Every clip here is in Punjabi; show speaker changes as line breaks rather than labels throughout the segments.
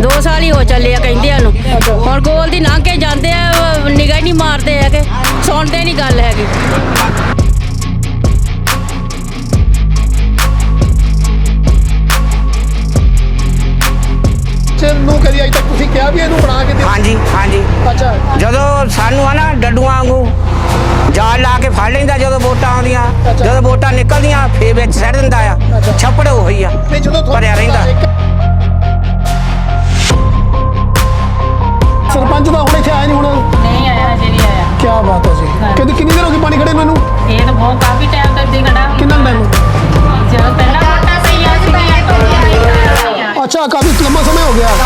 2 ਸਾਲ ही हो ਚੱਲੇ ਆ ਕਹਿੰਦਿਆਂ ਨੂੰ ਹੁਣ ਗੋਲ ਦੀ ਲੰਘ ਕੇ ਜਾਂਦੇ ਆ ਨਿਗਾਹ ਨਹੀਂ ਮਾਰਦੇ ਹੈਗੇ ਸੁਣਦੇ ਨਹੀਂ ਗੱਲ ਹੈਗੀ।
ਨੂੰ ਕਦੀ ਅਜੇ ਤੱਕ ਤੁਸੀਂ ਕਿਹਾ ਵੀ ਇਹਨੂੰ ਬਣਾ ਕੇ ਦੇ?
ਹਾਂਜੀ ਹਾਂਜੀ।
ਅੱਛਾ
ਜਦੋਂ ਸਾਨੂੰ ਆ ਨਾ ਡੱਡੂਆਂ ਵਾਂਗੂ ਜਾਲ ਲਾ ਕੇ ਫੜ ਲੈਂਦਾ ਜਦੋਂ ਵੋਟਾਂ ਆਉਂਦੀਆਂ ਜਦੋਂ ਵੋਟਾਂ ਨਿਕਲਦੀਆਂ ਫੇਰ ਵਿੱਚ ਸੱਟ ਦਿੰਦਾ ਆ ਛੱਪੜ ਉਹੀ ਆ ਭਰਿਆ ਰਹਿੰਦਾ।
ਸਰਪੰਚ ਦਾ ਹੁਣ ਇੱਥੇ ਆਇਆ ਨਹੀਂ ਹੁਣ?
नहीं आया हजे नहीं आया।
ਕੀ ਬਾਤ ਹੈ ਜੀ। ਕਹਿੰਦੇ ਕਿੰਨੀ ਦੇਰ ਹੋ ਗਈ ਪਾਣੀ ਖੜੇ ਨੂੰ ਇਹਨੂੰ?
ये तो बहुत काफी टाइम तक दी खड़ा
ਕਿੰਨਾ ਟਾਈਮ?
जब पहला वोटा सही आ चुकी है तो
ਅੱਛਾ ਕਾਫੀ ਲੰਮਾ ਸਮਾਂ ਹੋ ਗਿਆ।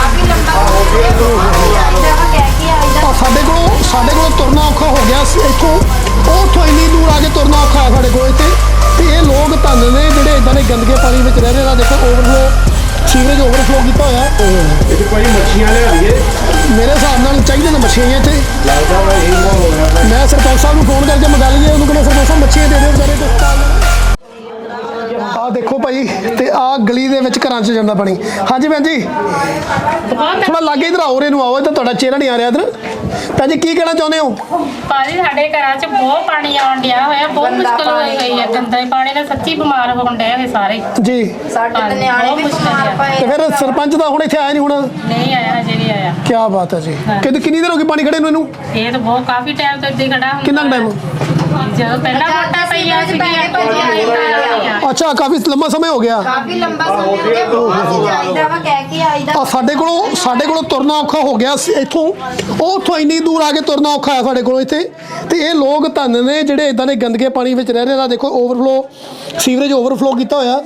ਸਾਡੇ ਕੋਲ ਤੁਰਨਾ ਔਖਾ ਹੋ ਗਿਆ ਇੱਥੋਂ ਉੱਥੋਂ ਇੰਨੀ ਦੂਰ ਆ ਕੇ ਤੁਰਨਾ ਔਖਾ ਹੈ ਸਾਡੇ ਕੋਲ ਇੱਥੇ ਤੇ ਇਹ ਲੋਕ ਧੰਨ ਨੇ ਜਿਹੜੇ ਇਦਾਂ ਦੇ ਗੰਦਗੇ ਪਾਣੀ ਵਿੱਚ ਰਹਿ ਰਹੇ ਆ। ਦੇਖੋ ਓਵਰਫਲੋ ਸੀਵਰੇਜ ਓਵਰਫਲੋ ਕੀਤਾ ਹੋਇਆ।
ਇੱਥੇ ਭਾਈ ਮੱਛੀਆਂ ਲਿਆ ਦਈਏ
ਮੇਰੇ ਹਿਸਾਬ ਨਾਲ ਚਾਹੀਦੇ ਨੇ ਮੱਛੀਆਂ ਇੱਥੇ।
ਲੱਗਦਾ ਵਾ ਇਹੀ ਮਾਹੌਲ ਹੋਇਆ।
ਮੈਂ ਸਰਪੰਚ ਸਾਹਿਬ ਨੂੰ ਫੋਨ ਕਰਕੇ ਮੰਗਾ ਲਈਏ ਉਹਨੂੰ ਕਹਿੰਦਾ ਸਰਪੰਚ ਸਾਹਿਬ ਮੱਛੀਆਂ ਦੇ ਦਿਓ ਵਿਚਾਰੇ ਕੁਝ। ਆ ਦੇਖੋ ਭਾਈ ਤੇ ਆ ਗਲੀ ਦੇ ਵਿੱਚ ਘਰਾਂ 'ਚ ਜਾਂਦਾ ਪਾਣੀ। ਹਾਂਜੀ ਭੈਣ ਜੀ ਥੋੜਾ ਲਾਗੇ ਇਧਰ ਆਓ ਰੇ ਨੂੰ ਆਓ ਤਾਂ ਤੁਹਾਡਾ ਚਿਹਰਾ ਨਹੀਂ ਆ ਰਿਹਾ ਇਧਰ। ਭੈਣ ਜੀ ਕੀ ਕਹਿਣਾ ਚਾਹੁੰਦੇ ਹੋ?
ਭਾਜੀ ਸਾਡੇ ਘਰਾਂ 'ਚ ਬਹੁਤ ਪਾਣੀ ਆਉਣ ਡਿਆ ਹੋਇਆ ਬਹੁਤ ਮੁਸ਼ਕਲ ਹੋਈ ਗਈ ਹੈ ਗੰਦੇ ਪਾਣੀ ਨਾਲ ਸੱਚੀ ਬਿਮਾਰ ਹੋਣ ਡਏ ਹੋਏ ਸਾਰੇ
ਜੀ।
ਸਾਡੇ ਤੇ ਨਿਆਣੇ ਵੀ ਬਿਮਾਰ ਪਏ
ਤੇ ਫਿਰ ਸਰਪੰਚ ਦਾ ਹੁਣ ਇੱਥੇ ਆਇਆ ਨਹੀਂ ਹੁਣ?
नहीं आया हजे नहीं आया।
ਕੀ ਬਾਤ ਹੈ ਜੀ। ਕਹਿੰਦੇ ਕਿੰਨੀ ਦੇਰ ਹੋ ਗਈ ਪਾਣੀ ਖੜੇ ਨੂੰ ਇਹਨੂੰ?
ये तो बहुत काफी टाइम तक दी खड़ा
ਕਿੰਨਾ ਟਾਈਮ?
जब पहला वोटा सही आ चुकी है तो
ਅੱਛਾ ਕਾਫੀ ਲੰਮਾ ਸਮਾਂ ਹੋ ਗਿਆ।
ਕਾਫੀ ਲੰਬਾ ਸਮਾਂ ਹੋ ਗਿਆ ਬਹੁਤ ਜਾਈਦਾ ਵਾ ਕਹਿ ਕੇ ਆਈਦਾ।
ਆ ਸਾਡੇ ਕੋਲੋਂ ਤੁਰਨਾ ਔਖਾ ਹੋ ਗਿਆ ਇੱਥੋਂ ਉੱਥੋਂ ਇੰਨੀ ਦੂਰ ਆ ਕੇ ਤੁਰਨਾ ਔਖਾ ਹੈ ਸਾਡੇ ਕੋਲੋਂ ਇੱਥੇ ਤੇ ਇਹ ਲੋਕ ਧੰਨ ਨੇ ਜਿਹੜੇ ਇਦਾਂ ਦੇ ਗੰਦਗੇ ਪਾਣੀ ਵਿੱਚ ਰਹਿ ਰਹੇ ਆ। ਦੇਖੋ ਓਵਰਫਲੋ ਸੀਵਰੇਜ ਓਵਰਫਲੋ ਕੀਤਾ ਹੋਇਆ।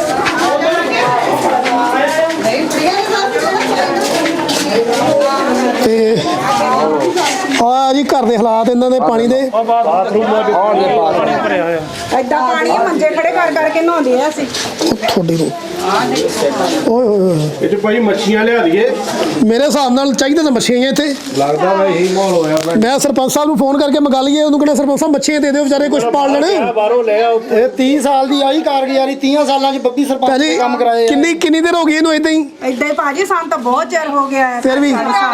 ਤੇ ਆ ਜੀ ਘਰ ਦੇ ਹਾਲਾਤ ਇਹਨਾਂ ਦੇ ਪਾਣੀ ਦੇ।
ਐਡਾ ਪਾਣੀ ਮੰਜੇ ਖੜੇ ਕਰ ਕਰਕੇ ਨਹਾਉਂਦੇ ਆ ਅਸੀਂ
ਤੁਹਾਡੇ ਨੂੰ ਓਏ ਹੋਏ
ਇੱਥੇ ਭਾਈ ਮੱਛੀਆਂ ਲਿਆ ਦਈਏ।
ਮੇਰੇ ਹਿਸਾਬ ਨਾਲ ਚਾਹੀਦਾ ਤਾਂ ਮੱਛੀਆਂ ਇੱਥੇ।
ਲੱਗਦਾ ਵਾ ਇਹੀ ਮਾਹੌਲ ਹੋਇਆ।
ਮੈਂ ਸਰਪੰਚ ਸਾਹਿਬ ਨੂੰ ਫੋਨ ਕਰਕੇ ਮੰਗਾ ਲਈਏ ਉਹਨੂੰ ਕਹਿੰਦਾ ਸਰਪੰਚ ਸਾਹਿਬ ਮੱਛੀਆਂ ਦੇ ਦਿਓ ਵਿਚਾਰੇ ਕੁਝ ਪਾਲ ਲੈਣ।
ਬਾਹਰੋਂ ਲੈ ਆਓ।
ਇਹ 30 ਸਾਲ ਦੀ ਆਈ ਕਾਰਗੁਜ਼ਾਰੀ 30 ਸਾਲਾਂ 'ਚ ਬੱਬੀ ਸਰਪੰਚ ਨੇ ਕੰਮ ਕਰਾਏ ਆ।
ਕਿੰਨੀ ਦੇਰ ਹੋ ਗਈ ਇਹਨੂੰ ਇਦਾਂ ਹੀ?
ਐਡਾ ਹੀ ਭਾਜੀ ਸਾਨੂੰ ਤਾਂ ਬਹੁਤ ਚਿਰ ਹੋ ਗਿਆ ਹੈ।
ਫਿਰ ਵੀ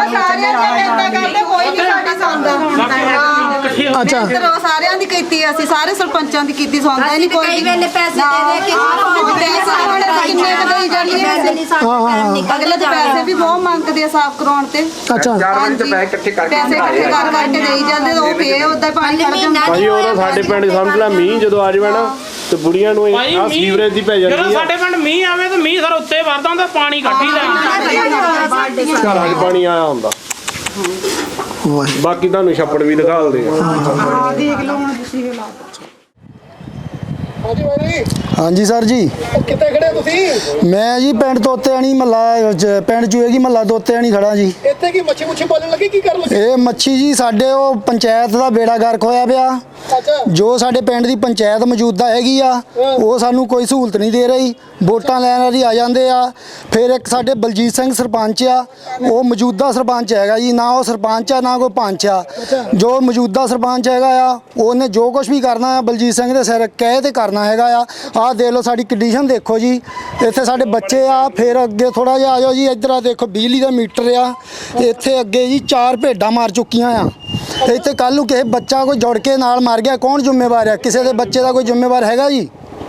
ਕੋਈ ਨਹੀਂ ਸਾਡੀ ਸੁਣਦਾ
ਅੱਛਾ
ਸਾਰਿਆਂ ਦੀ ਕੀਤੀ ਅਸੀਂ ਸਾਰੇ ਸਰਪੰਚਾਂ ਦੀ ਕੀਤੀ ਸੁਣਦਾ ਨਹੀਂ ਕੋਈ।
ਕਈ ਵੇਲੇ ਪੈਸੇ ਦੇ ਦੇ ਕੇ
ਕਿੰਨੇ ਕਦੇ ਜਾਈਏ ਅਗਲੇ ਤਾਂ ਪੈਸੇ ਵੀ ਬਹੁਤ ਮੰਗਦੇ ਆ ਸਾਫ਼ ਕਰਾਉਣ ਤੇ।
ਅੱਛਾ
ਪੈਸੇ ਇਕੱਠੇ ਕਰਕੇ ਦੇਈ ਜਾਂਦੇ ਉਹ ਫੇਰ ਉਦਾਂ ਪਾਣੀ ਖੜ ਜਾਂਦਾ।
ਭਾਈ ਉਹ ਸਾਡੇ ਪਿੰਡ ਸਮਝ ਲੈ ਮੀਂਹ ਜਦੋਂ ਆ ਜਾਵੇ ਨਾ ਤੇ ਬੁੜੀਆਂ ਨੂੰ ਆ ਸੀਵਰੇਜ ਦੀ ਪੈ ਜਾਂਦੀ ਆ।
ਜਦੋਂ ਸਾਡੇ ਪਿੰਡ ਮੀਂਹ ਆਵੇ ਤੇ ਮੀਂਹ ਸਰ ਉੱਤੇ ਵਰਦਾ ਹੁੰਦਾ ਪਾਣੀ ਕੱਢੀ ਦਾ
ਘਰਾਂ 'ਚ ਪਾਣੀ ਆਇਆ ਹੁੰਦਾ। ਬਾਕੀ ਤੁਹਾਨੂੰ ਛੱਪੜ ਵੀ ਦਿਖਾਲਦੇ ਆ।
ਦੇਖ ਲਓ ਹੁਣ ਤੁਸੀਂ ਹਾਲਾਤ।
ਹਾਂਜੀ ਭਾਈ
ਹਾਂਜੀ ਸਰ ਜੀ।
ਕਿੱਥੇ ਖੜੇ ਤੁਸੀਂ?
ਮੈਂ ਜੀ ਪਿੰਡ ਤੋਤੇਆਣੀ ਮਹੱਲਾ ਪਿੰਡ ਚੂਏਗੀ ਮਹੱਲਾ ਤੋਤੇਆਣੀ ਖੜਾ ਜੀ।
ਇੱਥੇ ਕੀ ਮੱਛੀ ਪਾਲਣ ਲੱਗੇ ਕੀ ਕਰਨ ਲੱਗੇ?
ਇਹ ਮੱਛੀ ਜੀ ਸਾਡੇ ਉਹ ਪੰਚਾਇਤ ਦਾ ਬੇੜਾ ਗਰਕ ਹੋਇਆ ਪਿਆ।
ਅੱਛਾ
ਜੋ ਸਾਡੇ ਪਿੰਡ ਦੀ ਪੰਚਾਇਤ ਮੌਜੂਦਾ ਹੈਗੀ ਆ ਉਹ ਸਾਨੂੰ ਕੋਈ ਸਹੂਲਤ ਨਹੀਂ ਦੇ ਰਹੀ। ਵੋਟਾਂ ਲੈਣ ਵਾਲੀ ਆ ਜਾਂਦੇ ਆ। ਫਿਰ ਇੱਕ ਸਾਡੇ ਬਲਜੀਤ ਸਿੰਘ ਸਰਪੰਚ ਆ ਉਹ ਮੌਜੂਦਾ ਸਰਪੰਚ ਹੈਗਾ ਜੀ। ਨਾ ਉਹ ਸਰਪੰਚ ਆ ਨਾ ਕੋਈ ਪੰਚ ਆ। ਜੋ ਮੌਜੂਦਾ ਸਰਪੰਚ ਹੈਗਾ ਆ ਉਹਨੇ ਜੋ ਕੁਝ ਵੀ ਕਰਨਾ ਆ ਬਲਜੀਤ ਸਿੰਘ ਦੇ ਸਿਰ ਕਹਿ ਤੇ ਕਰਨਾ ਹੈਗਾ ਆ। ਆਹ ਦੇਖ ਲਓ ਸਾਡੀ ਕੰਡੀਸ਼ਨ ਦੇਖੋ ਜੀ। ਇੱਥੇ ਸਾਡੇ ਬੱਚੇ ਆ। ਫਿਰ ਅੱਗੇ ਥੋੜਾ ਜਿਹਾ ਆ ਜਾਓ ਜੀ ਇੱਧਰ ਆ ਦੇਖੋ ਬਿਜਲੀ ਦਾ ਮੀਟਰ ਆ। ਇੱਥੇ ਅੱਗੇ ਜੀ 4 ਭੇਡਾਂ ਮਾਰ ਚੁੱਕੀਆਂ ਆ। ਇੱਥੇ ਕੱਲ ਨੂੰ ਕਿਸੇ ਬੱਚਾ ਕੋਈ ਜੁੜ ਕੇ ਨਾਲ ਮਰ ਗਿਆ ਕੌਣ ਜ਼ਿੰਮੇਵਾਰ ਆ? ਕਿਸੇ ਦੇ ਬੱਚੇ ਦਾ ਕੋਈ ਜ਼ਿੰਮੇਵਾਰ ਹੈਗਾ ਜੀ?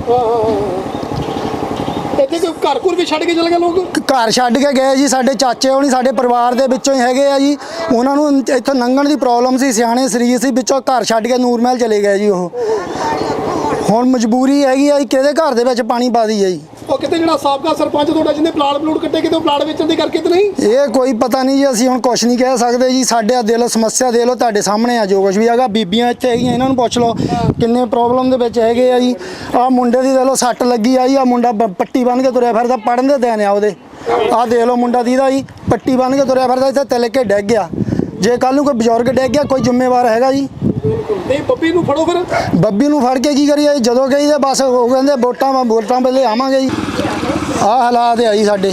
ਇੱਥੇ ਕੋਈ ਘਰ ਵੀ ਛੱਡ ਕੇ ਚਲੇ ਗਏ ਲੋਕ?
ਘਰ ਛੱਡ ਕੇ ਗਏ ਜੀ। ਸਾਡੇ ਚਾਚੇ ਹੋਣੀ ਸਾਡੇ ਪਰਿਵਾਰ ਦੇ ਵਿੱਚੋਂ ਹੀ ਹੈਗੇ ਆ ਜੀ। ਉਹਨਾਂ ਨੂੰ ਇੱਥੋਂ ਲੰਘਣ ਦੀ ਪ੍ਰੋਬਲਮ ਸੀ ਸਿਆਣੇ ਸਰੀਰ ਸੀ ਵਿੱਚੋਂ ਘਰ ਛੱਡ ਕੇ ਨੂਰਮਹਿਲ ਚਲੇ ਗਏ ਜੀ। ਉਹ ਹੁਣ ਮਜਬੂਰੀ ਹੈਗੀ ਆ ਜੀ ਕਿਹਦੇ ਘਰ ਦੇ ਵਿੱਚ ਪਾਣੀ ਪਾ ਦਈਏ ਜੀ।
ਉਹ ਕਿਤੇ ਜਿਹੜਾ ਸਾਬਕਾ ਸਰਪੰਚ ਤੁਹਾਡਾ ਜਿਹਨੇ ਪਲਾਟ ਕੱਟੇ ਕਿਤੇ ਪਲਾਟ ਵੇਚਣ ਦੀ ਕਰਕੇ ਤੇ ਨਹੀਂ?
ਇਹ ਕੋਈ ਪਤਾ ਨਹੀਂ ਜੀ। ਅਸੀਂ ਹੁਣ ਕੁਝ ਨਹੀਂ ਕਹਿ ਸਕਦੇ ਜੀ। ਸਾਡੇ ਦੇ ਲੋ ਸਮੱਸਿਆ ਦੇ ਲੋ ਤੁਹਾਡੇ ਸਾਹਮਣੇ ਆ ਜੋ ਕੁਝ ਵੀ ਹੈਗਾ। ਬੀਬੀਆਂ ਇੱਥੇ ਹੈਗੀਆਂ ਇਹਨਾਂ ਨੂੰ ਪੁੱਛ ਲਓ ਕਿੰਨੇ ਪ੍ਰੋਬਲਮ ਦੇ ਵਿੱਚ ਹੈਗੇ ਆ ਜੀ। ਆਹ ਮੁੰਡੇ ਦੀ ਦੇ ਲੋ ਸੱਟ ਲੱਗੀ ਆ ਜੀ। ਆਹ ਮੁੰਡਾ ਪੱਟੀ ਬੰਨ੍ਹ ਕੇ ਤੁਰਿਆ ਫਿਰਦਾ ਪੜ੍ਹਨ ਦੇ ਦਿਨ ਆ ਉਹਦੇ। ਆਹ ਦੇ ਲੋ ਮੁੰਡਾ ਦੀਦਾ ਜੀ ਪੱਟੀ ਬੰਨ੍ਹ ਕੇ ਤੁਰਿਆ ਫਿਰਦਾ ਇੱਥੇ ਤਿਲ ਕੇ ਡਿੱਗ ਗਿਆ। ਜੇ ਕੱਲ ਨੂੰ ਕੋਈ ਬਜ਼ੁਰਗ ਡਿੱਗ ਗਿਆ ਕੋਈ ਜ਼ਿੰਮੇਵਾਰ ਹੈਗਾ ਜੀ?
ਨਹੀਂ ਬੱਬੀ ਨੂੰ ਫੜੋ ਫਿਰ।
ਬੱਬੀ ਨੂੰ ਫੜ ਕੇ ਕੀ ਕਰੀਏ? ਜਦੋਂ ਗਈ ਤੇ ਬਸ ਉਹ ਕਹਿੰਦੇ ਵੋਟਾਂ ਵੇਲੇ ਆਵਾਂਗੇ ਜੀ। ਆਹ ਹਾਲਾਤ ਆ ਜੀ ਸਾਡੇ।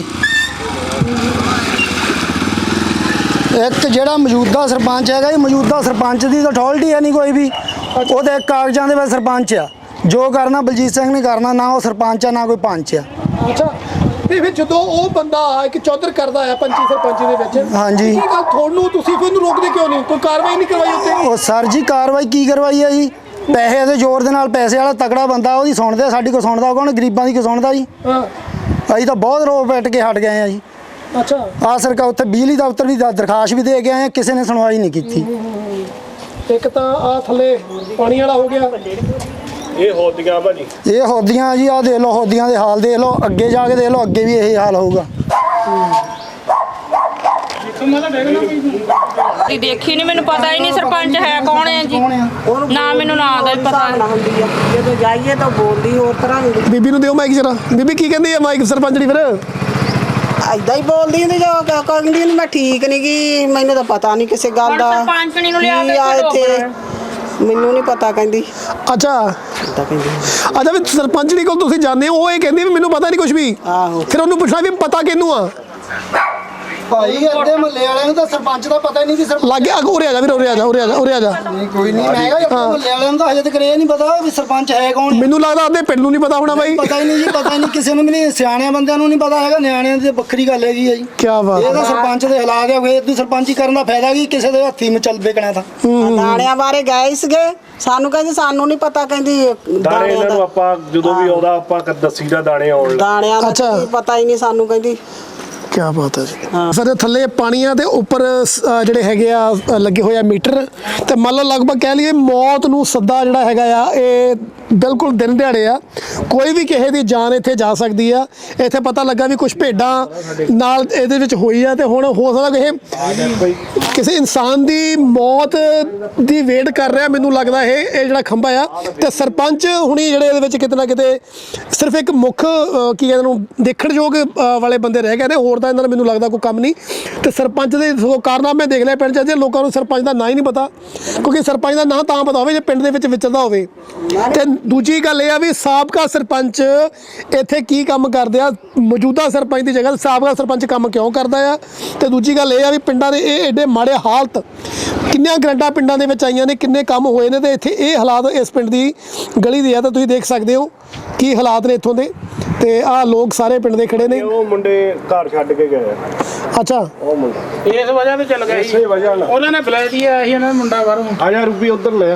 ਇੱਕ ਜਿਹੜਾ ਮੌਜੂਦਾ ਸਰਪੰਚ ਹੈਗਾ ਜੀ ਮੌਜੂਦਾ ਸਰਪੰਚ ਦੀ ਤਾਂ ਅਥਾਰਟੀ ਹੈ ਨਹੀਂ ਕੋਈ ਵੀ। ਉਹਦੇ ਕਾਗਜ਼ਾਂ ਦੇ ਵਿੱਚ ਸਰਪੰਚ ਆ। ਜੋ ਕਰਨਾ ਬਲਜੀਤ ਸਿੰਘ ਨੇ ਕਰਨਾ। ਨਾ ਉਹ ਸਰਪੰਚ ਆ ਨਾ ਕੋਈ ਪੰਚ ਆ।
ਅੱਛਾ ਤੇ ਫਿਰ ਜਦੋਂ ਉਹ ਬੰਦਾ ਇੱਕ ਚੌਧਰ ਕਰਦਾ ਆ ਪੰਚੀ ਸਰਪੰਚੀ ਦੇ ਵਿੱਚ,
ਹਾਂਜੀ।
ਕੀ ਗੱਲ ਤੁਹਾਨੂੰ ਤੁਸੀਂ ਫਿਰ ਉਹਨੂੰ ਰੋਕਦੇ ਕਿਉਂ ਨਹੀਂ? ਕੋਈ ਕਾਰਵਾਈ ਨਹੀਂ ਕਰਵਾਈ ਉੱਤੇ?
ਉਹ ਸਰ ਜੀ ਕਾਰਵਾਈ ਕੀ ਕਰਵਾਈ ਆ ਜੀ? ਪੈਸੇ ਦੇ ਜ਼ੋਰ ਦੇ ਨਾਲ, ਪੈਸੇ ਵਾਲਾ ਤਕੜਾ ਬੰਦਾ ਉਹਦੀ ਸੁਣਦੇ, ਸਾਡੀ ਕੋ ਸੁਣਦਾ ਕੌਣ? ਗਰੀਬਾਂ ਦੀ ਕੋ ਸੁਣਦਾ ਜੀ?
ਹਾਂ
ਅਸੀਂ ਤਾਂ ਬਹੁਤ ਰੋ ਪੈਟ ਕੇ ਹਟ ਗਏ ਆ ਜੀ।
ਅੱਛਾ
ਆ ਸਰਕਾਰ ਉੱਥੇ ਬਿਜਲੀ ਦਫ਼ਤਰ ਵੀ ਦਰਖਾਸਤ ਵੀ ਦੇ ਕੇ ਆਏ ਆ, ਕਿਸੇ ਨੇ ਸੁਣਵਾਈ ਨਹੀਂ ਕੀਤੀ।
ਇੱਕ ਤਾਂ ਆ ਥੱਲੇ ਪਾਣੀ ਵਾਲਾ ਹੋ ਗਿਆ,
ਇਹ ਹੋਦੀਆਂ ਭਾਜੀ,
ਇਹ ਹੋਦੀਆਂ ਜੀ, ਆ ਦੇਖ ਲਓ ਹੋਦੀਆਂ ਦੇ ਹਾਲ ਦੇਖ ਲਓ, ਅੱਗੇ ਜਾ ਕੇ ਦੇਖ ਲਓ, ਅੱਗੇ ਵੀ ਇਹੀ ਹਾਲ ਹੋਊਗਾ।
ਜੀ ਦੇਖੀ ਨਹੀਂ, ਮੈਨੂੰ ਪਤਾ ਹੀ ਨਹੀਂ ਸਰਪੰਚ ਹੈ ਕੌਣ ਹੈ ਜੀ, ਨਾ ਮੈਨੂੰ ਨਾਂ ਦਾ ਵੀ ਪਤਾ
ਹੁੰਦੀ ਆ ਜਦੋਂ ਜਾਈਏ ਤਾਂ ਬੋਲਦੀ ਹੋਰ ਤਰ੍ਹਾਂ ਹੁੰਦੀ।
ਬੀਬੀ ਨੂੰ ਦਿਓ ਮਾਈਕ ਜਰਾ। ਬੀਬੀ ਕੀ ਕਹਿੰਦੀ ਆ ਮਾਈਕ ਸਰਪੰਚੜੀ ਫਿਰ?
ਐਦਾਂ ਹੀ ਬੋਲਦੀ ਹੁੰਦੀ ਜੋ ਕਹਿੰਦੀ ਮੈਂ ਠੀਕ ਨਹੀਂ ਗਈ, ਮੈਨੂੰ ਤਾਂ ਪਤਾ ਨਹੀਂ ਕਿਸੇ ਗੱਲ ਦਾ।
ਸਰਪੰਚਣੀ ਨੂੰ ਲਿਆ
ਕੀ ਆ ਇੱਥੇ ਮੈਨੂੰ ਨਹੀਂ ਪਤਾ ਕਹਿੰਦੀ।
ਅੱਛਾ
ਤਾਂ ਕਹਿੰਦੀ
ਅੱਛਾ, ਵੀ ਸਰਪੰਚੜੀ ਕੋਲ ਤੁਸੀਂ ਜਾਂਦੇ ਹੋ, ਉਹ ਇਹ ਕਹਿੰਦੀ ਵੀ ਮੈਨੂੰ ਪਤਾ ਨਹੀਂ ਕੁਝ ਵੀ,
ਆਹੋ।
ਫਿਰ ਉਹਨੂੰ ਪੁੱਛਣਾ ਵੀ ਪਤਾ ਕਿਹਨੂੰ ਆ?
ਭਾਈ ਅੱਡੇ ਮਹੱਲੇ ਵਾਲਿਆਂ ਨੂੰ ਤਾਂ ਸਰਪੰਚ ਦਾ ਪਤਾ ਹੀ ਨਹੀਂ ਕਿ
ਲੱਗ ਗਿਆ। ਉਰੇ ਆ ਜਾ ਵੀਰ, ਉਰੇ ਆ ਜਾ, ਉਰੇ ਆ ਜਾ, ਉਰੇ ਆ ਜਾ।
ਕੋਈ ਨਹੀਂ, ਮੈਂ ਕਿਹਾ ਅੱਡੇ ਮਹੱਲੇ ਵਾਲਿਆਂ ਨੂੰ ਤਾਂ ਹਜੇ ਤੱਕ ਇਹ ਨਹੀਂ ਪਤਾ ਵੀ ਸਰਪੰਚ ਹੈ ਕੌਣ।
ਮੈਨੂੰ ਲੱਗਦਾ ਅੱਧੇ ਪਿੰਡ ਨੂੰ ਨਹੀਂ ਪਤਾ ਹੋਣਾ ਬਾਈ।
ਪਤਾ ਹੀ ਨਹੀਂ ਜੀ, ਪਤਾ ਹੀ ਨਹੀਂ ਕਿਸੇ ਨੂੰ ਵੀ ਨਹੀਂ, ਸਿਆਣਿਆਂ ਬੰਦਿਆਂ ਨੂੰ ਨਹੀਂ ਪਤਾ ਹੈਗਾ, ਨਿਆਣਿਆਂ ਦੀ ਵੱਖਰੀ ਗੱਲ ਹੈਗੀ ਆ ਜੀ।
ਕੀ ਬਾਤ
ਇਹ ਤਾਂ ਸਰਪੰਚ ਦੇ ਹਾਲਾਤ ਆ, ਫੇਰ ਤੂੰ ਸਰਪੰਚੀ ਕਰਨ ਦਾ ਫਾਇਦਾ ਕੀ? ਕਿਸੇ ਦੇ ਹੱਥੀ ਮਚਲ ਵੇਕਣਾ ਤਾਂ।
ਦਾਣਿਆਂ ਬਾਰੇ ਗਏ ਸੀਗੇ, ਸਾਨੂੰ ਕਹਿੰਦੀ ਸਾਨੂੰ ਨਹੀਂ ਪਤਾ, ਕਹਿੰਦੀ
ਦਾਣੇ ਇਹਨਾਂ ਨੂੰ ਆਪਾਂ ਜਦੋਂ ਵੀ ਆਉਂਦਾ ਆਪਾਂ ਦੱਸੀਦਾ ਦਾਣੇ ਆਉਣ ਲੱਗੇ।
ਦਾਣਿਆਂ ਦਾ
ਅੱਛਾ।
ਪਤਾ ਹੀ ਨਹੀਂ ਸਾਨੂੰ, ਕਹਿੰਦੀ।
ਕੀ ਬਾਤ ਹੈ ਜੀ। ਸਰ ਥੱਲੇ ਪਾਣੀਆਂ ਦੇ ਉੱਪਰ ਜਿਹੜੇ ਹੈਗੇ ਆ ਲੱਗੇ ਹੋਏ ਆ ਮੀਟਰ, ਤੇ ਮੰਨ ਲਓ ਲਗਭਗ ਕਹਿ ਲਈਏ ਮੌਤ ਨੂੰ ਸੱਦਾ ਜਿਹੜਾ ਹੈਗਾ ਆ, ਇਹ ਬਿਲਕੁਲ ਦਿਨ ਦਿਹਾੜੇ ਆ, ਕੋਈ ਵੀ ਕਿਸੇ ਦੀ ਜਾਨ ਇੱਥੇ ਜਾ ਸਕਦੀ ਆ। ਇੱਥੇ ਪਤਾ ਲੱਗਾ ਵੀ ਕੁਝ ਭੇਡਾਂ ਨਾਲ ਇਹਦੇ ਵਿੱਚ ਹੋਈ ਆ, ਤੇ ਹੁਣ ਹੋ ਸਕਦਾ ਕਿਸੇ ਇਨਸਾਨ ਦੀ ਮੌਤ ਦੀ ਵੇਟ ਕਰ ਰਿਹਾ। ਮੈਨੂੰ ਲੱਗਦਾ ਇਹ ਜਿਹੜਾ ਖੰਭਾ ਆ, ਤੇ ਸਰਪੰਚ ਹੁਣੀ ਜਿਹੜੇ ਇਹਦੇ ਵਿੱਚ ਕਿਤੇ ਨਾ ਕਿਤੇ ਸਿਰਫ ਇੱਕ ਮੁੱਖ ਕੀ ਕਹਿੰਦੇ ਨੂੰ ਦੇਖਣਯੋਗ ਵਾਲੇ ਬੰਦੇ ਰਹਿ ਗਏ ਨੇ, ਹੋਰ ਤਾਂ ਇਹਨਾਂ ਦਾ ਮੈਨੂੰ ਲੱਗਦਾ ਕੋਈ ਕੰਮ ਨਹੀਂ। ਤੇ ਸਰਪੰਚ ਦੇ ਕਾਰਨਾਮੇ ਦੇਖ ਲਿਆ ਪਿੰਡ 'ਚ, ਜੇ ਲੋਕਾਂ ਨੂੰ ਸਰਪੰਚ ਦਾ ਨਾਂ ਹੀ ਨਹੀਂ ਪਤਾ, ਕਿਉਂਕਿ ਸਰਪੰਚ ਦਾ ਨਾਂ ਤਾਂ ਪਤਾ ਹੋਵੇ ਜੇ ਪਿੰਡ ਦੇ ਵਿੱਚ ਵਿਚਰਦਾ ਹੋਵੇ। ਤੇ ਦੂਜੀ ਗੱਲ ਇਹ ਆ ਵੀ ਸਾਬਕਾ ਸਰਪੰਚ ਇੱਥੇ ਕੀ ਕੰਮ ਕਰਦੇ ਆ, ਮੌਜੂਦਾ ਸਰਪੰਚ ਦੀ ਜਗ੍ਹਾ ਸਾਬਕਾ ਸਰਪੰਚ ਕੰਮ ਕਿਉਂ ਕਰਦਾ ਆ। ਤੇ ਦੂਜੀ ਗੱਲ ਇਹ ਆ ਵੀ ਪਿੰਡਾਂ ਦੇ ਇਹ ਐਡੇ ਮਾੜੇ ਹਾਲਤ, ਕਿੰਨੀਆਂ ਗ੍ਰਾਂਟਾਂ ਪਿੰਡਾਂ ਦੇ ਵਿੱਚ ਆਈਆਂ ਨੇ, ਕਿੰਨੇ ਕੰਮ ਹੋਏ ਨੇ, ਤੇ ਇੱਥੇ ਇਹ ਹਾਲਾਤ ਇਸ ਪਿੰਡ ਦੀ ਗਲੀ ਦੇ ਆ। ਤਾਂ ਤੁਸੀਂ ਦੇਖ ਸਕਦੇ ਹੋ ਕੀ ਹਾਲਾਤ ਨੇ ਇੱਥੋਂ ਦੇ, ਤੇ ਆਹ ਲੋਕ ਸਾਰੇ ਪਿੰਡ ਦੇ ਖੜੇ ਨੇ।
ਉਹ ਮੁੰਡੇ ਘਰ ਛੱਡ ਕੇ ਗਏ।
ਅੱਛਾ,
ਉਹ ਮੁੰਡੇ
ਇਸ ਵਜ੍ਹਾ ਤੇ ਚੱਲ ਗਏ ਸੀ,
ਇਸੇ ਵਜ੍ਹਾ ਨਾਲ
ਉਹਨਾਂ ਨੇ ਬੁਲਾਇਆ ਆਇਆ ਸੀ, ਉਹਨਾਂ ਦਾ ਮੁੰਡਾ ਬਾਹਰੋਂ।
ਆ ਜਾ ਰੂਪੀ ਉਧਰ ਲੈ ਆ,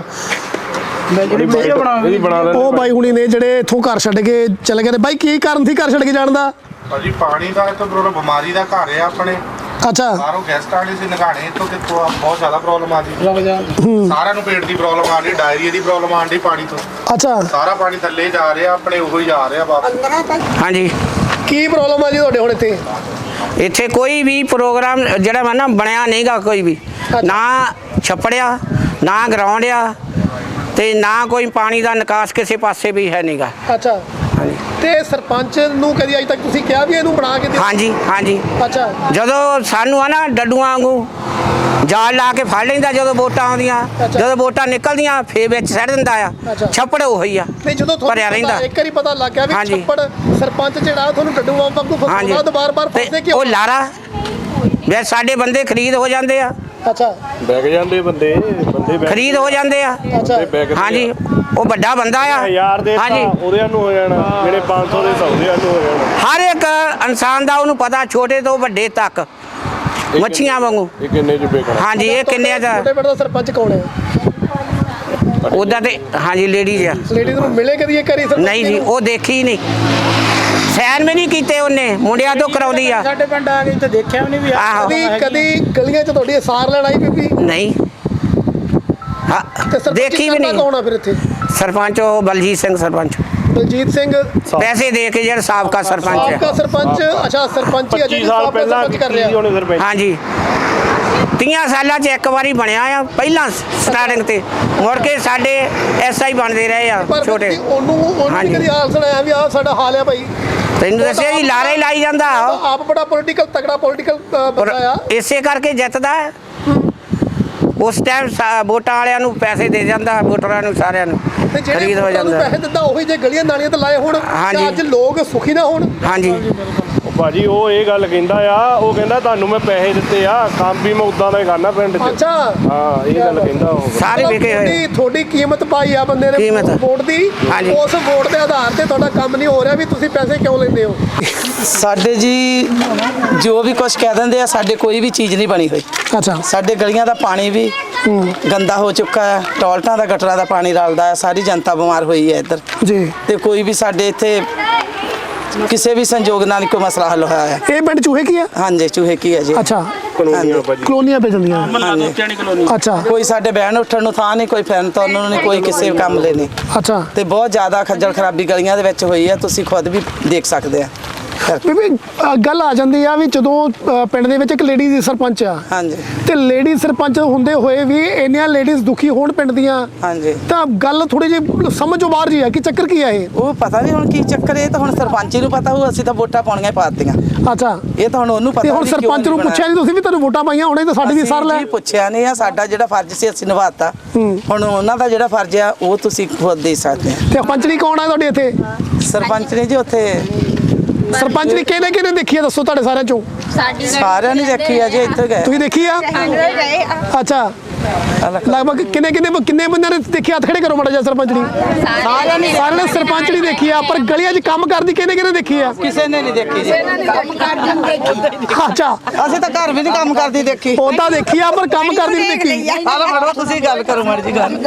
ਮੈਂ ਜਿਹੜੀ ਵੀਡੀਓ
ਇਹਦੀ ਬਣਾ ਲੈਂਦੇ।
ਉਹ ਬਾਈ ਹੁਣੀ ਨੇ ਜਿਹੜੇ ਇੱਥੋਂ ਘਰ ਛੱਡ ਕੇ ਚਲੇ ਗਏ ਨੇ। ਬਾਈ ਕੀ ਕਾਰਨ ਸੀ ਘਰ ਛੱਡ ਕੇ ਜਾਣ ਦਾ?
ਭਾਜੀ ਪਾਣੀ ਦਾ ਇੱਥੇ ਬਿਮਾਰੀ ਦਾ ਘਰ ਹੈ ਆਪਣੇ।
ਅੱਛਾ,
ਬਾਹਰੋਂ ਗੈਸਟ ਆਣੇ ਸੀ ਨਗਾਣੇ, ਇੱਥੋਂ ਕਿੱਥੋਂ ਬਹੁਤ ਜ਼ਿਆਦਾ ਪ੍ਰੋਬਲਮ ਆ ਜੀ। ਸਾਰਿਆਂ ਨੂੰ ਪੇਟ ਦੀ ਪ੍ਰੋਬਲਮ ਆ ਰਹੀ, ਡਾਇਰੀਆ ਦੀ ਪ੍ਰੋਬਲਮ ਆ ਰਹੀ ਪਾਣੀ ਤੋਂ।
ਅੱਛਾ,
ਸਾਰਾ ਪਾਣੀ ਥੱਲੇ ਜਾ ਰਿਹਾ, ਆਪਣੇ ਉਹੀ ਜਾ ਰਿਹਾ ਵਾਪਸ।
ਹਾਂਜੀ।
ਕੀ ਪ੍ਰੋਬਲਮ ਆ ਜੀ ਤੁਹਾਡੇ ਹੁਣ ਇੱਥੇ?
ਇੱਥੇ ਕੋਈ ਵੀ ਪ੍ਰੋਗਰਾਮ ਜਿਹੜਾ ਵਾ ਨਾ ਬਣਿਆ ਨਹੀਂਗਾ, ਕੋਈ ਵੀ ਨਾ ਛੱਪੜਿਆ, ਨਾ ਗਰਾਊਂਡ ਆ, ਤੇ ਨਾ ਕੋਈ ਪਾਣੀ ਦਾ ਨਿਕਾਸ ਕਿਸੇ ਪਾਸੇ ਵੀ ਹੈ ਨਹੀਂਗਾ।
ਅੱਛਾ, ਤੇ ਸਰਪੰਚ ਨੂੰ ਕਦੀ ਅਜੇ ਤੱਕ ਤੁਸੀਂ ਕਿਹਾ ਵੀ ਇਹਨੂੰ ਬਣਾ ਕੇ ਦੇ?
ਹਾਂਜੀ ਹਾਂਜੀ।
ਅੱਛਾ,
ਜਦੋਂ ਸਾਨੂੰ ਆ ਨਾ ਡੱਡੂਆਂ ਵਾਂਗੂ ਜਾਲ ਲਾ ਕੇ ਫੜ ਲੈਂਦਾ, ਜਦੋਂ ਵੋਟਾਂ ਆਉਂਦੀਆਂ, ਜਦੋਂ ਵੋਟਾਂ ਨਿਕਲਦੀਆਂ ਫੇਰ ਵਿੱਚ ਸੱਟ ਦਿੰਦਾ ਆ। ਛੱਪੜ ਉਹੀ ਆ,
ਨਹੀਂ ਜਦੋਂ
ਭਰਿਆ ਰਹਿੰਦਾ।
ਇੱਕ ਵਾਰੀ ਪਤਾ ਲੱਗ ਗਿਆ ਵੀ ਛੱਪੜ ਸਰਪੰਚ ਜਿਹੜਾ ਤੁਹਾਨੂੰ ਡੱਡੂਆਂ ਵਾਂਗੂ ਫਸਾਉਂਦਾ, ਦੁਬਾਰ-ਬਾਰ ਫਸਦੇ ਕਿਉਂ?
ਉਹ ਲਾਰਾ ਵੇ ਸਾਡੇ ਬੰਦੇ ਖਰੀਦ ਹੋ ਜਾਂਦੇ ਆ।
ਅੱਛਾ,
ਬੈਗ ਜਾਂਦੇ ਬੰਦੇ
ਖਰੀਦ ਹੋ ਜਾਂਦੇ ਆ। ਹਾਂਜੀ, ਉਹ ਵੱਡਾ ਬੰਦਾ ਆ
ਯਾਰ ਦੇ ਉਹਦਿਆਂ ਨੂੰ ਹੋ ਜਾਣਾ, ਜਿਹੜੇ 500 ਦੇ ਸੌਦਿਆਂ ਨੂੰ ਹੋ ਜਾਣਾ।
ਹਰ ਇੱਕ ਇਨਸਾਨ ਦਾ ਉਹਨੂੰ ਪਤਾ, ਛੋਟੇ ਤੋਂ ਵੱਡੇ ਤੱਕ, ਮੱਛੀਆਂ ਵਾਂਗੂ।
ਇਹ ਕਿੰਨੇ ਚ ਵੇਚਣਾ?
ਹਾਂਜੀ, ਇਹ ਕਿੰਨੇ ਦਾ?
ਛੋਟੇ ਪਿੰਡ ਦਾ ਸਰਪੰਚ ਕੌਣ ਹੈ?
ਉਹਦਾ ਤੇ ਹਾਂਜੀ ਲੇਡੀਜ਼ ਆ।
ਲੇਡੀਜ਼ ਨੂੰ ਮਿਲੇ ਕਦੀ ਇੱਕ ਵਾਰੀ?
ਨਹੀਂ ਜੀ, ਉਹ ਦੇਖੀ ਨਹੀਂ, ਸੈਨ ਵੀ ਨਹੀਂ ਕੀਤੇ ਉਹਨੇ, ਮੁੰਡਿਆਂ ਤੋਂ ਕਰਾਉਂਦੀ ਆ।
ਸਾਡੇ ਪਿੰਡ ਆ ਕੇ ਇੱਥੇ ਦੇਖਿਆ ਵੀ ਨਹੀਂ ਵੀ
ਆਹੋ।
ਕਦੀ ਗਲੀਆਂ 'ਚ ਤੁਹਾਡੀ ਸਾਰ ਲੈਣ ਆਈ ਬੀਬੀ?
ਨਹੀਂ,
ਤੇ
ਦੇਖੀ ਵੀ ਨਹੀਂ।
ਕੌਣ ਆ ਫਿਰ ਇੱਥੇ?
ਸਰਪੰਚ ਉਹ ਬਲਜੀਤ ਸਿੰਘ ਸਰਪੰਚ।
ਬਲਜੀਤ ਸਿੰਘ
ਪੈਸੇ ਦੇ ਕੇ ਜਿਹੜਾ ਸਾਬਕਾ ਸਰਪੰਚ
ਸਾਬਕਾ
ਹੈ।
ਸਰਪੰਚ। ਅੱਛਾ, ਸਰਪੰਚ ਹੀ ਅਜੇ
25 ਸਾਲ ਪਹਿਲਾਂ
ਕਰ ਰਿਹਾ।
ਉਹਨੇ ਸਰਪੰਚ।
ਹਾਂਜੀ, 30 ਸਾਲਾਂ 'ਚ ਇੱਕ ਵਾਰੀ ਬਣਿਆ ਆ, ਪਹਿਲਾਂ ਸਟਾਰਟਿੰਗ ਤੇ, ਮੁੜ ਕੇ ਸਾਡੇ ਐਸਆਈ ਬਣਦੇ ਰਹੇ ਆ ਛੋਟੇ।
ਉਹਨੂੰ ਕਦੀ ਹਾਲ ਸੁਣਾਇਆ ਵੀ ਆਹ ਸਾਡਾ ਹਾਲ ਆ ਭਾਈ?
ਤੈਨੂੰ ਦੱਸਿਆ ਜੀ, ਲਾਰੇ ਲਾਈ ਜਾਂਦਾ।
ਆਪ ਬੜਾ ਪੋਲੀਟੀਕਲ ਤਕੜਾ ਪੋਲੀਟੀਕਲ ਬੰਦਾ ਆ,
ਇਸੇ ਕਰਕੇ ਜਿੱਤਦਾ। ਉਸ ਟਾਈਮ ਵੋਟਾਂ ਵਾਲਿਆਂ ਨੂੰ ਪੈਸੇ ਦੇ ਜਾਂਦਾ, ਵੋਟਰਾਂ ਨੂੰ ਸਾਰਿਆਂ ਨੂੰ ਖਰੀਦ ਹੋ ਜਾਂਦਾ।
ਪੈਸੇ ਦਿੰਦਾ ਉਹੀ ਜੇ ਗਲੀਆਂ ਨਾਲੀਆਂ ਤੇ ਲਾਏ ਹੋਣ, ਅੱਜ ਲੋਕ ਸੁਖੀ ਨਾ ਹੋਣ।
ਹਾਂਜੀ,
ਭਾਜੀ ਉਹ ਇਹ ਗੱਲ ਕਹਿੰਦਾ ਆ, ਉਹ ਕਹਿੰਦਾ ਤੁਹਾਨੂੰ ਮੈਂ ਪੈਸੇ ਦਿੱਤੇ ਆ, ਕੰਮ ਵੀ ਮੈਂ ਉਦਾਂ ਦਾ ਹੀ ਕਰਨਾ ਪਿੰਡ 'ਚ।
ਅੱਛਾ
ਹਾਂ ਇਹ ਗੱਲ ਕਹਿੰਦਾ ਉਹ।
ਸਾਰੇ ਵਿਕੇ ਹੋਏ।
ਤੁਹਾਡੀ ਕੀਮਤ ਪਾਈ ਆ ਬੰਦੇ ਨੇ
ਕੀਮਤ।
ਵੋਟ ਦੀ,
ਹਾਂਜੀ।
ਉਸ ਵੋਟ ਦੇ ਆਧਾਰ ਤੇ ਤੁਹਾਡਾ ਕੰਮ ਨਹੀਂ ਹੋ ਰਿਹਾ, ਵੀ ਤੁਸੀਂ ਪੈਸੇ ਕਿਉਂ ਲੈਂਦੇ ਹੋ?
ਸਾਡੇ ਜੀ ਜੋ ਵੀ ਕੁਝ ਕਹਿ ਦਿੰਦੇ ਆ, ਸਾਡੇ ਕੋਈ ਵੀ ਚੀਜ਼ ਨਹੀਂ ਬਣੀ ਹੋਈ।
ਅੱਛਾ।
ਸਾਡੇ ਗਲੀਆਂ ਦਾ ਪਾਣੀ ਵੀ ਗੰਦਾ ਹੋ ਚੁੱਕਾ ਹੈ, ਟੋਇਲਟਾਂ ਦਾ ਗਟਰਾਂ ਦਾ ਪਾਣੀ ਰਲਦਾ ਹੈ, ਸਾਰੀ ਜਨਤਾ ਬਿਮਾਰ ਹੋਈ ਹੈ ਇੱਧਰ
ਜੀ।
ਤੇ ਕੋਈ ਵੀ ਸਾਡੇ ਇੱਥੇ ਕਿਸੇ ਵੀ ਸੰਯੋਗ ਨਾਲ ਕੋਈ ਮਸਲਾ ਹੱਲ ਹੋਇਆ ਹੈ।
ਇਹ ਪਿੰਡ ਚੂਹੇ ਕੀ ਆ?
ਹਾਂਜੀ ਚੂਹੇ ਕੀ ਹੈ ਜੀ।
ਅੱਛਾ।
ਕਲੋਨੀਆਂ ਭਾਜੀ।
ਕਲੋਨੀਆਂ ਪੈ ਜਾਂਦੀਆਂ। ਅੱਛਾ।
ਕੋਈ ਸਾਡੇ ਬਹਿਣ ਉੱਠਣ ਨੂੰ ਥਾਂ ਨਹੀਂ, ਕੋਈ ਫਿਰਨ ਤੁਰਨ ਨੂੰ ਨਹੀਂ, ਕੋਈ ਕਿਸੇ ਕੰਮ ਲਈ ਨਹੀਂ।
ਅੱਛਾ।
ਤੇ ਬਹੁਤ ਜ਼ਿਆਦਾ ਖੱਜਲ ਖਰਾਬੀ ਗਲੀਆਂ ਦੇ ਵਿੱਚ ਹੋਈ ਹੈ, ਤੁਸੀਂ ਖੁਦ ਵੀ ਦੇਖ ਸਕਦੇ ਆ।
ਬੀਬੀ ਗੱਲ ਆ ਜਾਂਦੀ ਆ ਵੀ ਜਦੋਂ ਪਿੰਡ ਦੇ ਵਿੱਚ ਇੱਕ ਲੇਡੀ ਦੀ ਸਰਪੰਚ ਆ,
ਹਾਂਜੀ,
ਤੇ ਲੇਡੀ ਸਰਪੰਚ ਹੁੰਦੇ ਹੋਏ ਵੀ ਇੰਨੀਆਂ ਲੇਡੀਜ਼ ਦੁਖੀ ਹੋਣ ਪਿੰਡ ਦੀਆਂ,
ਹਾਂਜੀ,
ਤਾਂ ਗੱਲ ਥੋੜੀ ਜਿਹੀ ਸਮਝੋਂ ਬਾਹਰ ਜੀ ਆ ਕਿ ਚੱਕਰ ਕੀ ਆ ਇਹ?
ਉਹ ਪਤਾ ਨਹੀਂ ਹੁਣ ਕੀ ਚੱਕਰ, ਇਹ ਤਾਂ ਹੁਣ ਸਰਪੰਚ ਨੂੰ ਪਤਾ ਹੋਊ, ਅਸੀਂ ਤਾਂ ਵੋਟਾਂ ਪਾਉਣੀਆਂ ਪਾਤੀਆਂ।
ਅੱਛਾ।
ਇਹ ਤਾਂ ਹੁਣ ਉਹਨੂੰ ਪਤਾ।
ਤੇ ਹੁਣ ਸਰਪੰਚ ਨੂੰ ਪੁੱਛਿਆ ਨਹੀਂ ਤੁਸੀਂ ਵੀ ਤੁਹਾਨੂੰ ਵੋਟਾਂ ਪਾਈਆਂ ਹੁਣੇ ਤਾਂ ਸਾਡੀ ਵੀ ਸਰ ਲੈ?
ਅਸੀਂ ਪੁੱਛਿਆ ਨਹੀਂ ਆ, ਸਾਡਾ ਜਿਹੜਾ ਫਰਜ਼ ਸੀ ਅਸੀਂ ਨਿਭਾਤਾ। ਹੁਣ ਉਹਨਾਂ ਦਾ ਜਿਹੜਾ ਫਰਜ਼ ਆ ਉਹ ਤੁਸੀਂ ਖੁਦ ਦੇ ਸਕਦੇ ਆ।
ਤੇ ਪੰਚਣੀ ਕੌਣ ਆ ਤੁਹਾਡੇ ਇੱਥੇ?
ਸਰਪੰਚ ਨੇ ਜੀ ਉੱਥੇ
ਸਰਪੰਚ ਨੇ ਕਿਹਨੇ ਕਿਹਨੇ ਦੇਖੀ ਆ, ਦੱਸੋ ਤੁਹਾਡੇ ਸਾਰਿਆਂ ਚੋਂ?
ਸਾਰਿਆਂ ਨੇ ਦੇਖੀ ਆ ਜੀ, ਇੱਥੇ ਗਏ
ਤੁਸੀਂ ਦੇਖੀ ਆ? ਅੱਛਾ। ਲਗਭਗ ਕਿੰਨੇ ਬੰਦਿਆਂ ਨੇ ਦੇਖੀ? ਹੱਥ ਖੜੇ ਕਰੋ ਮਾੜਾ ਜਿਹਾ। ਸਰਪੰਚ ਨੇ ਸਾਰਿਆਂ ਨੇ ਸਰਪੰਚ ਨਹੀਂ ਦੇਖੀ ਆ, ਪਰ ਗਲੀਆਂ 'ਚ ਕੰਮ ਕਰਦੀ ਕਿਹਨੇ ਦੇਖੀ ਆ?
ਕਿਸੇ ਨੇ ਨਹੀਂ ਦੇਖੀ ਜੀ।
ਅੱਛਾ।
ਅਸੀਂ ਤਾਂ ਘਰ ਵੀ ਨਹੀਂ ਕੰਮ ਕਰਦੀ ਦੇਖੀ।
ਉਹਦਾ ਦੇਖੀ ਆ ਪਰ ਕੰਮ ਕਰਦੀ ਨਹੀਂ ਦੇਖੀ।
ਆਹ ਫੜੋ ਤੁਸੀਂ ਗੱਲ ਕਰੋ ਮਾੜੀ ਜੀ ਗੱਲ।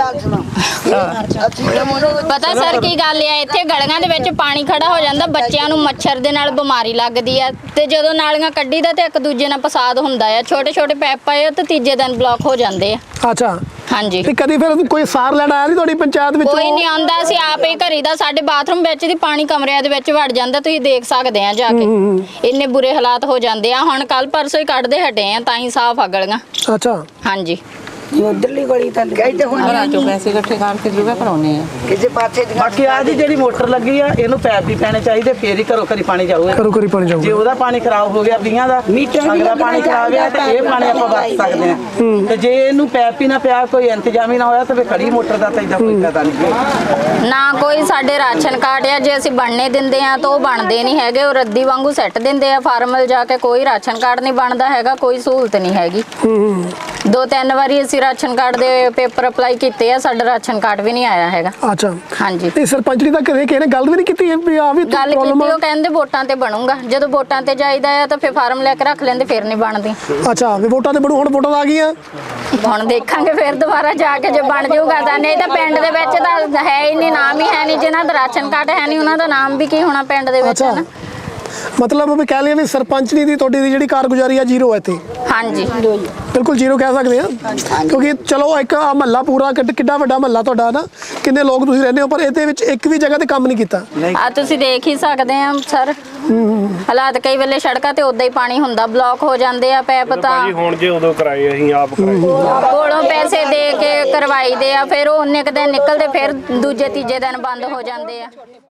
ਪਤਾ ਸਰ ਕੀ ਗੱਲ ਆ, ਇੱਥੇ ਗਲੀਆਂ ਦੇ ਵਿੱਚ ਪਾਣੀ ਖੜਾ ਹੋ ਜਾਂਦਾ, ਬੱਚਿਆਂ ਨੂੰ ਮੱਛਰ ਦੇ ਨਾਲ ਬਿਮਾਰੀ ਲੱਗਦੀ ਆ, ਤੇ ਜਦੋਂ ਨਾਲੀਆਂ ਕੱਢੀ ਦਾ ਤੇ ਇੱਕ ਦੂਜੇ ਨਾਲ ਪਸਾਦ ਹੁੰਦਾ ਆ, ਛੋਟੇ ਛੋਟੇ ਪੈਪ ਪਾਏ ਤੇ ਤੀਜੇ ਦਿਨ ਬਲੌਕ ਹੋ ਜਾਂਦੇ ਆ।
ਅੱਛਾ।
ਹਾਂਜੀ।
ਤੇ ਕਦੀ ਫਿਰ ਕੋਈ ਸਾਰ ਲੈਣ ਆਇਆ ਨਹੀਂ ਤੁਹਾਡੀ ਪੰਚਾਇਤ ਵਿੱਚ?
ਕੋਈ ਨਹੀਂ ਆਉਂਦਾ, ਅਸੀਂ ਆਪ ਹੀ ਘਰੀ ਦਾ, ਸਾਡੇ ਬਾਥਰੂਮ ਵਿੱਚ ਦੀ ਪਾਣੀ ਕਮਰਿਆਂ ਦੇ ਵਿੱਚ ਵੜ ਜਾਂਦਾ, ਤੁਸੀਂ ਦੇਖ ਸਕਦੇ ਆ ਜਾ ਕੇ। ਇੰਨੇ ਬੁਰੇ ਹਾਲਾਤ ਹੋ ਜਾਂਦੇ ਆ। ਹੁਣ ਕੱਲ ਪਰਸੋਂ ਹੀ ਕੱਢਦੇ ਹਟੇ ਆ, ਤਾਂ ਹੀ ਸਾਫ਼ ਆ ਗਲੀਆਂ।
ਅੱਛਾ।
ਹਾਂਜੀ।
ਉਧਰਲੀ ਗਲੀ ਤਾਂ ਕਹਿੰਦੇ ਹੁਣ
ਚੋਂ ਪੈਸੇ ਇਕੱਠੇ ਕਰਕੇ ਜੁਗਾ ਕਰਾਉਣੇ ਆ।
ਕਿਸੇ ਪਾਸੇ ਦੀ
ਬਾਕੀ ਆ ਜੀ ਜਿਹੜੀ ਮੋਟਰ ਲੱਗੀ ਆ, ਇਹਨੂੰ ਪੈਪ ਵੀ ਪੈਣੇ ਚਾਹੀਦੇ, ਫੇਰ ਹੀ ਘਰੋਂ ਘਰੀ ਪਾਣੀ ਜਾਊਗਾ।
ਘਰੋਂ ਘਰੀ ਪਾਣੀ ਜਾਊਗਾ।
ਜੇ ਉਹਦਾ ਪਾਣੀ ਖਰਾਬ ਹੋ ਗਿਆ 20 ਦਾ, ਅਗਲਾ ਪਾਣੀ ਖਰਾਬ ਆ ਤੇ ਇਹ ਪਾਣੀ ਆਪਾਂ ਵਰਤ ਸਕਦੇ ਆ। ਤੇ ਜੇ ਇਹਨੂੰ ਪੈਪ ਹੀ ਨਾ ਪਿਆ, ਕੋਈ ਇੰਤਜ਼ਾਮ ਹੀ ਨਾ ਹੋਇਆ, ਤਾਂ ਫੇਰ ਖੜੀ ਮੋਟਰ ਦਾ ਤਾਂ ਇਦਾਂ ਕੋਈ ਪਤਾ ਨਹੀਂ।
ਨਾ ਕੋਈ ਸਾਡੇ ਰਾਸ਼ਨ ਕਾਰਡ ਆ, ਜੇ ਅਸੀਂ ਬਣਨੇ ਦਿੰਦੇ ਆ ਤਾਂ ਉਹ ਬਣਦੇ ਨਹੀਂ ਹੈਗੇ, ਉਹ ਰੱਦੀ ਵਾਂਗੂ ਸੱਟ ਦਿੰਦੇ ਆ ਫਾਰਮਲ ਜਾ ਕੇ। ਕੋਈ ਰਾਸ਼ਨ ਕਾਰਡ ਨਹੀਂ ਬਣਦਾ ਹੈਗਾ, ਕੋਈ ਸਹੂਲਤ ਨਹੀਂ ਹੈਗੀ। 2-3 ਵਾਰੀ ਅਸੀਂ ਰਾਸ਼ਨ ਕਾਰਡ ਦੇ ਪੇਪਰ ਅਪਲਾਈ ਕੀਤੇ ਆ, ਸਾਡਾ ਰਾਸ਼ਨ ਕਾਰਡ ਵੀ ਨਹੀਂ ਆਇਆ ਹੈਗਾ।
ਅੱਛਾ।
ਹਾਂਜੀ।
ਤੇ ਸਰਪੰਚ ਦੀ ਤਾਂ ਕਦੇ ਕਿਸੇ ਨੇ ਗੱਲ ਵੀ ਨਹੀਂ ਕੀਤੀ ਵੀ ਆ ਵੀ
ਗੱਲ ਕੀਤੀ, ਉਹ ਕਹਿੰਦੇ ਵੋਟਾਂ ਤੇ ਬਣੂਗਾ। ਜਦੋਂ ਵੋਟਾਂ ਤੇ ਜਾਈਦਾ ਆ ਤਾਂ ਫਿਰ ਫਾਰਮ ਲੈ ਕੇ ਰੱਖ ਲੈਂਦੇ, ਫਿਰ ਨਹੀਂ ਬਣਦੀ।
ਅੱਛਾ। ਵੀ ਵੋਟਾਂ ਤੇ ਬਣੂ, ਹੁਣ ਵੋਟਾਂ ਆ ਗਈਆਂ,
ਹੁਣ ਦੇਖਾਂਗੇ ਫਿਰ ਦੁਬਾਰਾ ਜਾ ਕੇ ਜੇ ਬਣ ਜਾਊਗਾ ਤਾਂ। ਨਹੀਂ ਤਾਂ ਪਿੰਡ ਦੇ ਵਿੱਚ ਤਾਂ ਹੈ ਹੀ ਨਹੀਂ, ਨਾਮ ਹੀ ਹੈ ਨਹੀਂ। ਜਿਨ੍ਹਾਂ ਦਾ ਰਾਸ਼ਨ ਕਾਰਡ ਹੈ ਨਹੀਂ, ਉਹਨਾਂ ਦਾ ਨਾਮ ਵੀ ਕੀ ਹੋਣਾ ਪਿੰਡ ਦੇ ਵਿੱਚ, ਨਾ।
ਮਤਲਬ ਵੀ ਕਹਿ ਲਈਏ ਵੀ ਸਰਪੰਚਨੀ ਦੀ ਤੁਹਾਡੀ ਦੀ ਜਿਹੜੀ ਕਾਰਗੁਜ਼ਾਰੀ ਆ ਜ਼ੀਰੋ ਹੈ ਇੱਥੇ।
ਹਾਂਜੀ।
ਬਿਲਕੁਲ ਜ਼ੀਰੋ ਕਹਿ ਸਕਦੇ ਆ, ਕਿਉਂਕਿ ਚਲੋ ਇੱਕ ਮਹੱਲਾ ਪੂਰਾ ਕਿੱਡਾ ਵੱਡਾ ਮਹੱਲਾ ਤੁਹਾਡਾ ਨਾ, ਕਿੰਨੇ ਲੋਕ ਤੁਸੀਂ ਰਹਿੰਦੇ ਹੋ, ਪਰ ਇਹਦੇ ਵਿੱਚ ਇੱਕ ਵੀ ਜਗ੍ਹਾ ਤੇ ਕੰਮ ਨਹੀਂ ਕੀਤਾ।
ਆ ਤੁਸੀਂ ਦੇਖ ਹੀ ਸਕਦੇ ਆ ਸਰ, ਹਾਲਾਤ ਕਈ ਵੇਲੇ ਸੜਕਾਂ ਤੇ ਉਦਾਂ ਹੀ ਪਾਣੀ ਹੁੰਦਾ, ਬਲੌਕ ਹੋ ਜਾਂਦੇ ਆ ਪੈਪ ਤਾਂ।
ਹੁਣ ਜੇ ਉਦੋਂ ਕਰਾਏ ਅਸੀਂ ਆਪ ਕਰਾਏ,
ਕੋਲੋਂ ਪੈਸੇ ਦੇ ਕੇ ਕਰਵਾਈ ਦੇ ਆ, ਫਿਰ ਉਹ ਉਨੇ ਕੁ ਦਿਨ ਨਿਕਲਦੇ, ਫਿਰ ਦੂਜੇ ਤੀਜੇ ਦਿਨ ਬੰਦ ਹੋ ਜਾਂਦੇ ਆ।